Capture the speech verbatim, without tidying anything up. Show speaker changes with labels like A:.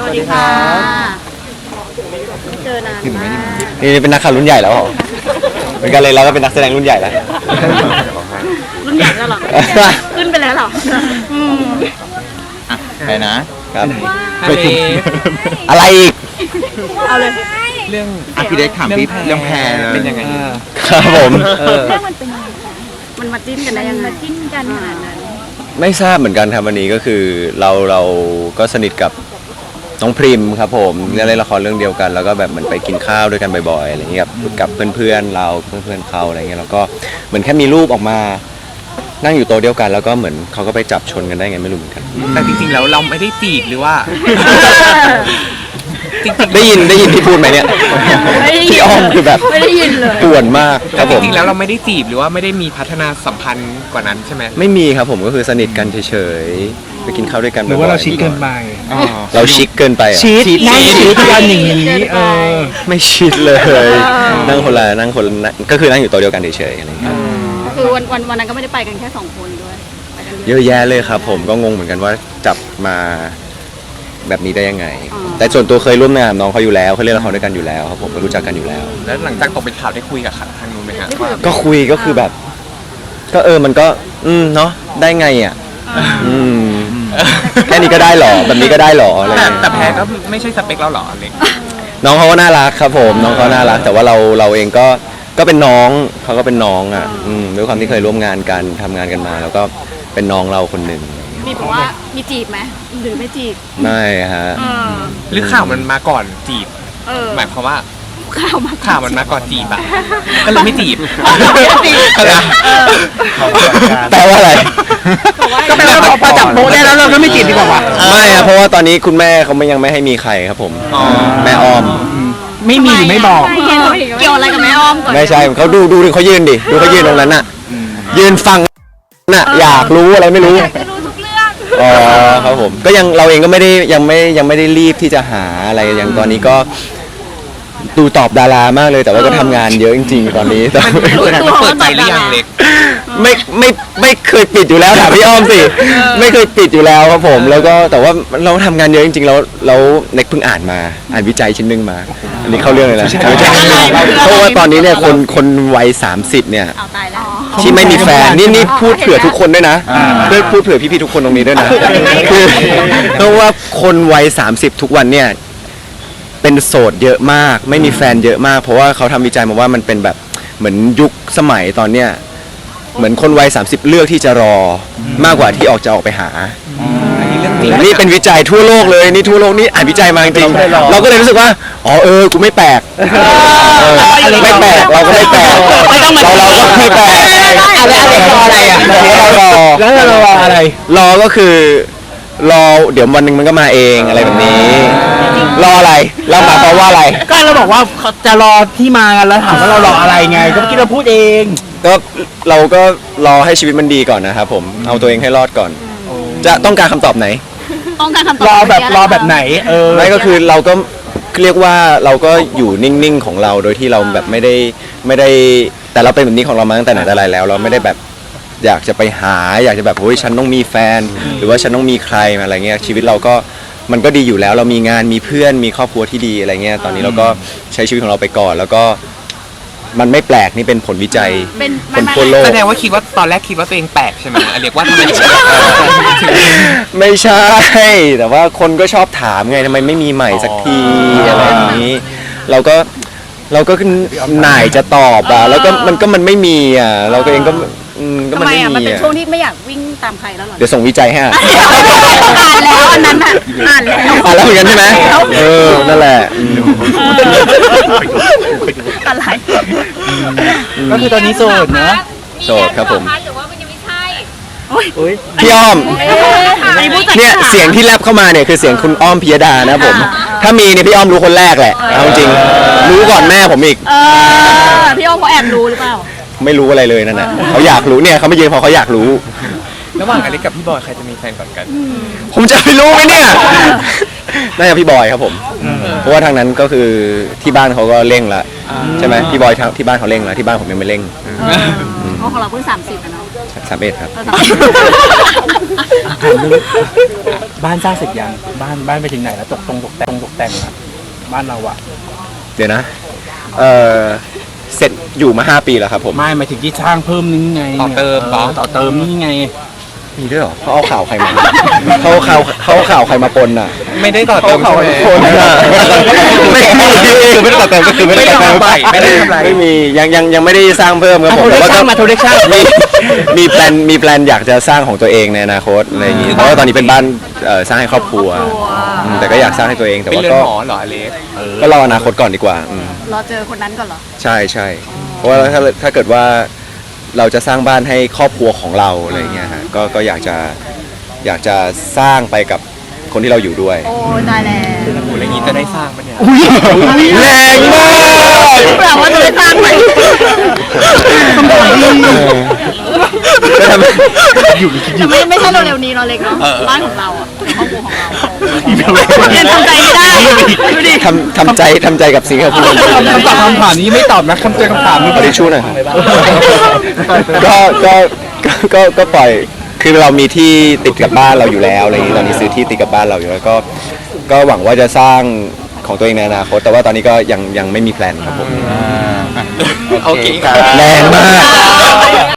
A: วัสดีค่ะไม่เจอนานมาก
B: นี่เป็นนักข่าวรุ่นใหญ่แล้วเหรอเหมือนกันเลยเราก็เป็นนักแสดงรุ่นใหญ่แล้ว
A: รุ่นใหญ่แล้วเหรอขึ้นไปแล้วเหรออืม
C: ไปนะครับไปถึง
B: อะไรอีก
A: เอาเลย
C: เรื่องอ่ะพี่เด็กถามพี่เรื่องแพรเป็นยังไง
B: ครับผม
A: เรื่องมันเป็นยังไงมันมาจิ้นกันได้ยังไงมาจิ้นกันขนาดนั้น
B: ไม่ทราบเหมือนกันครับวันนี้ก็คือเราเราก็สนิทกับน้องพริมครับผมเล่นละครเรื่องเดียวกันแล้วก็แบบเหมือนไปกินข้าวด้วยกันบ่อยๆอะไรอย่างเงี้ยกับกับเพื่อนๆเราเพื่อนๆเขาอะไรเงี้ยแล้วก็เหมือนแค่มีรูปออกมานั่งอยู่โต๊ะเดียวกันแล้วก็เหมือนเขาก็ไปจับชนกันได้ไงไม่รู้เหมือนกัน
C: แต่จริงๆแล้วเราไม่ได้จีบหรือว่า
B: จริงๆได้ยินได้ยินที่พูดไหมเนี่ยพี่อ้อมคือแบบ
A: ไม่ได้ยินเลย
B: ป่วนมากครับผม
C: จริงๆแล้วเราไม่ได้จีบหรือว่าไม่ได้มีพัฒนาสัมพันธ์กว่านั้นใช่ไหม
B: ไม่มีครับผมก็คือสนิทกันเฉยๆไปกินข้าวด้วยกัน
D: หรือว่าเราชิคเกินไป
B: เราชิคเกินไป
D: ชิคนั่งชิคกันอย่างนี้เออ
B: ไม่ชิคเลยนั่งคนละนั่งคนละก็คือนั่งอยู่โต๊ะเดียวกันเฉยๆอะไรอย่างเงี้ย
A: คือวันวันวันนั้นก็ไม่ได้ไปกันแค่สองคนด้วย
B: เยอะแยะเลยครับผมก็งงเหมือนกันว่าจับมาแบบนี้ได้ยังไงแต่ส่วนตัวเคยร่วมงานน้องเขาอยู่แล้วเขาเล่นละครด้วยกันอยู่แล้วครับผมก็รู้จักกันอยู่แล้ว
C: แล้วหลังจากตกเป็นข่าวได้คุยกับทางนู้นไหมครับ
B: ก็คุยก็คือแบบก็เออมันก็อืมเนาะได้ไงอ่ะอืมแค่นี้ก็ได้หรอแบบนี้ก็ได้หรออะไร
C: แต่แพรก็ไม่ใช่สเปคเราหรอเล็ก
B: น้องเขาก็น่ารักครับผมน้องเขาน่ารักแต่ว่าเราเราเองก็ก็เป็นน้องเขาก็เป็นน้องอ่ะอืมด้วยความที่เคยร่วมงานกันทำงานกันมาแล้วก็เป็นน้องเราคนหนึ่ง
A: มีบอกว่ามีจีบไหมหรือไม่จีบ
B: ไม่ฮะ
C: หรือข่าวมันมาก่อนจีบหมายความว่า
A: ข่าวมา
C: ข่าวมันมาก่อนจีบอ่ะก็เลยไม่จีบ
B: แปลว่าอะไร
D: ก็แปลว่าพอจับโป๊ะได้แล้วเราก็ไม่จีบดีกว่า
B: ไม่ครับเพราะว่าตอนนี้คุณแม่เขาไม่ยังไม่ให้มีใครครับผมแม่อ้อม
D: ไม่มีหรือไม่บอก
A: เกี่ยวอะไรกับแม่อ้อมก่อน
B: ไม่ใช่เขาดูดูเขายืนดิดูเขายืนตรงนั้นน่ะยืนฟังน่ะอยากรู้อะไรไม่รู้อ๋อครับผมก็ยังเราเองก็ไม่ได้ยังไม่ยังไม่ได้รีบที่จะหาอะไรอย่างตอนนี้ก็ดูตอบดารามากเลยแต่ว่าก็ทำงานเยอะจริงๆตอนนี้แต่
C: เปิดใจหรือยังเล็ก
B: ไม่ไม่ไม่เคยปิดอยู่แล้วถามพี่อ้อมสิไม่เคยปิดอยู่แล้วครับผมแล้วก็แต่ว่าเราทำงานเยอะจริงๆแล้วแล้วเน็กเพิ่งอ่านมาอ่านวิจัยชิ้นนึงมาอันนี้เข้าเรื่องเลยนะเพราะว่าตอนนี้เนี่ยคนคนวัยสามสิบเนี่ยที่ไม่มีแฟนนี่นี่พูดเผื่อทุกคนด้วยนะเพื่อพูดเผื่อพี่ๆทุกคนตรงนี้ด้วยนะคือเพราะว่าคนวัยสามสิบทุกวันเนี่ยเป็นโสดเยอะมากไม่มีแฟนเยอะมากเพราะว่าเขาทำวิจัยมาว่ามันเป็นแบบเหมือนยุคสมัยตอนเนี้ยเหมือนคนวัยสามสิบเลือกที่จะรอมากกว่าที่ออกจะออกไปหานี่เป็นวิจัยทั่วโลกเลยนี่ทั่วโลกนี่อ่านวิจัยมาจริงเราก็เลยรู้สึกว่าอ๋อเออกูไม่แปลกไม่แปลกเราก็ไม่แปลกเราเราก็ไม่แปลกอะไรอะไรรออะไรอ่ะรอ
D: แล้วเรารออะไร
B: รอก็คือรอเดี๋ยววันหนึ่งมันก็มาเองอะไรแบบนี้รออะไรเราหมายความว่าอะไร
D: ก็เราบอกว่าจะรอที่มากันแล้วถามว่าเรารออะไรไงก็เมื่อกี้เราพูดเอง
B: ก็เราก็รอให้ชีวิตมันดีก่อนนะครับผมเอาตัวเองให้รอดก่อนจะต้องการคำตอบไหน
A: ต้องการคำตอบ
D: รอแบบรอแบบไหนเออ
B: ไม่ก็คือเราก็เรียกว่าเราก็อยู่นิ่งๆของเราโดยที่เราแบบไม่ได้ไม่ได้แต่เราเป็นแบบนี้ของเรามาตั้งแต่ไหนแต่ไรแล้วเราไม่ได้แบบอยากจะไปหาอยากจะแบบโอ้ยฉันต้องมีแฟนหรือว่าฉันต้องมีใครมาอะไรเงี้ยชีวิตเราก็มันก็ดีอยู่แล้วเรามีงานมีเพื่อนมีครอบครัวที่ดีอะไรเงี้ยตอนนี้เราก็ใช้ชีวิตของเราไปก่อนแล้วก็มันไม่แปลกนี่เป็นผลวิจัยคนทั่วโลก
C: แสดงว่าคิดว่าตอนแรกคิดว่าตัวเองแปลกใช่ไหมเรียกว่าทำไม
B: ไม่ใช่แต่ว่าคนก็ชอบถามไงทำไมไม่มีใหม่สักทีอะไรอย่างนี้เราก็เราก็หน่ายจะตอบอ่ะแล้วก็มันก็มันไม่มีอ่ะเราก็เองก็
A: ทำไมอ่ะมันเป็นช่วงที่ไม่อยากวิ่งตามใครแล้วหรอ
B: เดี๋ยวส่งวิจัยให้อ่าน
A: แล้วอันนั้นอ่ะอ่านแล้ว
B: อ่านแล้วเหมือนกันใช่ไหมเออนั่นแหละ
A: อะไร
D: ก็คือตอนนี้โสดเนอะ
B: โสดครับผม
A: หรือว่ามันยังไม่ใช่
B: พี่อ้อมเนี่ยเสียงที่แลบเข้ามาเนี่ยคือเสียงคุณอ้อมพิยดานะผมถ้ามีเนี่ยพี่อ้อมรู้คนแรกแหละเอาจริงรู้ก่อนแม่ผมอีก
A: พี่อ้อมเขาแอบรู้หรือเปล่า
B: ไม่รู้อะไรเลยนั่นแหละเขาอยากรู้เนี่ยเขาไม่ยืนเพราะเขาอยากรู้
C: ระหว่างอเล็กกับพี่บอยใครจะมีแฟนก่อนกัน
B: ผมจะไปรู้ไหมเนี่ยน่าจะพี่บอยครับผมเพราะว่าทางนั้นก็คือที่บ้านเขาก็เร่งละใช่ไหมพี่บอยที่บ้านเขาเร่งละที่บ้านผมยังไม่เร่ง
A: เพราะของเราเพิ่งสามสิบนะ
B: สามเอ็ดครับ
A: เราทำ
D: ถามเรื่องบ้านสร้างเสร็จยังบ้านบ้านไปถึงไหนแล้วตกตรงตกแต่งตกแต่งอะบ้านเราอะ
B: เดี๋ยวนะเออเสร็จอยู่มาห้าปีแล้วครับผม
D: ไม่หมายถึงที่สร้างเพิ่มนึงไง
C: ต่อเติมเหรอ
D: ต่อเติมนี่ไง
B: มีด้วยเหรอเขาเอาข่าวใครมาเขาเอาข่าวเขาเอาข่าวใครมาปนอ่ะ
C: ไม่ได้ต่อเติมใช่ไหม
B: คนอ่ะไม่มีคือไม่ได้ตัดเติมก็คือไม่ได้ตัดเติม
C: ไม่ได้ทำอะไร
B: ไม่มียังยังยังไม่ได้สร้างเพิ่มครับผม
D: โทรเรียก
B: แต่
D: ช่าง
B: ก็
D: มาโทรเรียกช่าง
B: มีมีแพลนมีแพลนอยากจะสร้างของตัวเองในอนาคตอะไรอย่างงี้เพราะว่าตอนนี้เป็นบ้านเอ่อสร้างให้ครอบครัวอืมแต่ก็อยากสร้างให้ตัวเองแต่
C: เป็น
B: ว่า
C: เรือน
B: ก็
C: หอเหรออเล็ก
B: ก็รออนาคตก่อนดีกว่าอืม
A: รอเจอคนนั้นก่อนเหรอ
B: ใช่ใช่เพราะว่าถ้าถ้าเกิดว่าเราจะสร้างบ้านให้ครอบครัวของเราอะไรอย่างเงี้ยฮะก็ก็อยากจะอยากจะสร้างไปกับคนที่เราอยู่ด้วย
A: โอ้ยตายแล้ว
C: โอ้โหแล้วอย่างนี้จะได้สร้างปะเนี่ย
B: แรงมาก
A: แปลว่าจะได้สร้างไหม
B: จะทำ
A: แต่ไม่ไม่ใช่เร็วๆนี้เราเล็กเนาะบ้านของเราอ่ะครอบครัวของเรายังทำใจไม่ได้ดูดิ
B: ทำทำใจทำใจกับสิ่งที่เขาพูด
D: คำตอบคำถามนี้ไม่ตอบนะคำเจอคำถามนี้
B: ขอทิชชู่หน่อยครับก็ก็ก็ก็ก็ปล่อยคือเรามีที่ติดกับบ้านเราอยู่แล้วอะไรอย่างนี้ตอนนี้ซื้อที่ติดกับบ้านเราอยู่แล้วก็ก็หวังว่าจะสร้างของตัวเองในอนาคตแต่ว่าตอนนี้ก็ยังยังไม่มีแพลนครับผม
C: โอเคครับ
B: แรงมาก